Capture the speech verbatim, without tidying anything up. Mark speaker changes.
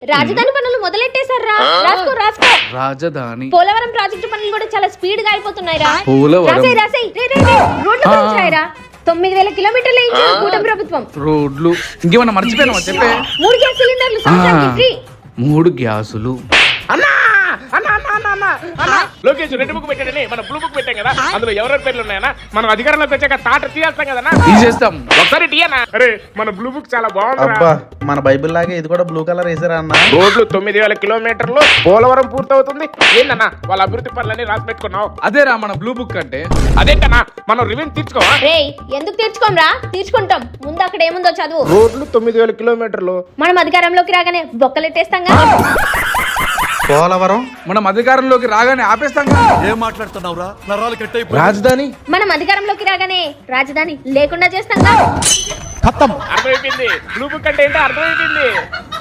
Speaker 1: రాజధాని పనులు మొదలెట్టేశారా? రాసుకో రాసుకో.
Speaker 2: రాజధాని
Speaker 1: పోలవరం ప్రాజెక్టు పనులు కూడా చాలా స్పీడ్ గా అయిపోతున్నాయి రా.
Speaker 2: పోలవరం
Speaker 1: రాసేయ్ రాసేయ్. రే రే రే. రోడ్ల గురించి రాయరా. తొమ్మిది వేల కిలోమీటర్లు ఇచ్చింది కూటమి ప్రభుత్వం.
Speaker 2: రోడ్లు ఇంకేమన్నా మర్చిపోయినా చెప్పే.
Speaker 1: మూడు గ్యాస్ సిలిండర్లు సంవత్సరానికి ఫ్రీ.
Speaker 2: మూడు గ్యాసులు.
Speaker 3: అన్నా అన్నా అన్నా అన్నా అన్నా అన్నా లోకేష్ రెడ్ బుక్ పెట్టాడని మన బ్లూ బుక్ పెట్టాం కదా, అందులో ఎవరెవరి పేర్లు ఉన్నాయన్నా? మనం అధికారంలోకి వచ్చాక తాట తీయేస్తాం కదన్నా.
Speaker 2: తీసేస్తాం.
Speaker 3: ఒకసారి టీయనా? అరే మన బ్లూ బుక్ చాలా బాగుంది.
Speaker 4: అబ్బా మన బైబిల్ లాగే ఇది కూడా బ్లూ కలర్ వేసారా అన్న?
Speaker 3: రోడ్లు తొమ్మిది వేల కిలోమీటర్లు, పోలవరం పూర్తవుతుంది. ఏందన్నా వాళ్ళ అభివృద్ధి పనులన్నీ రాసి పెట్టుకున్నావు?
Speaker 2: అదేరా మన బ్లూ బుక్ అంటే.
Speaker 3: అదేంటన్నా మనం రివెన్యూ తీర్చుకోవా?
Speaker 1: రేయ్ ఎందుకు తీర్చుకోంరా? తీర్చుకుంటాం. ముందు అక్కడ ఏముందో చదువు.
Speaker 3: రోడ్లు తొమ్మిది వేల కిలోమీటర్లు.
Speaker 1: మనం అధికారంలోకి రాగానే బొక్కలెట్టేస్తాంగా.
Speaker 4: పోలవరం
Speaker 2: మనం అధికారంలోకి రాగానే ఆపేస్తాం.
Speaker 5: ఏం మాట్లాడుతున్నావురా? నరాలు కట్ అయిపోయి
Speaker 3: రాజధాని
Speaker 1: మనం అధికారంలోకి రాగానే రాజధాని లేకుండా చేస్తాంగా.
Speaker 3: అర్థమైపోయింది. బ్లూ బుక్ అంటే ఏంటో అర్థమైపోయింది.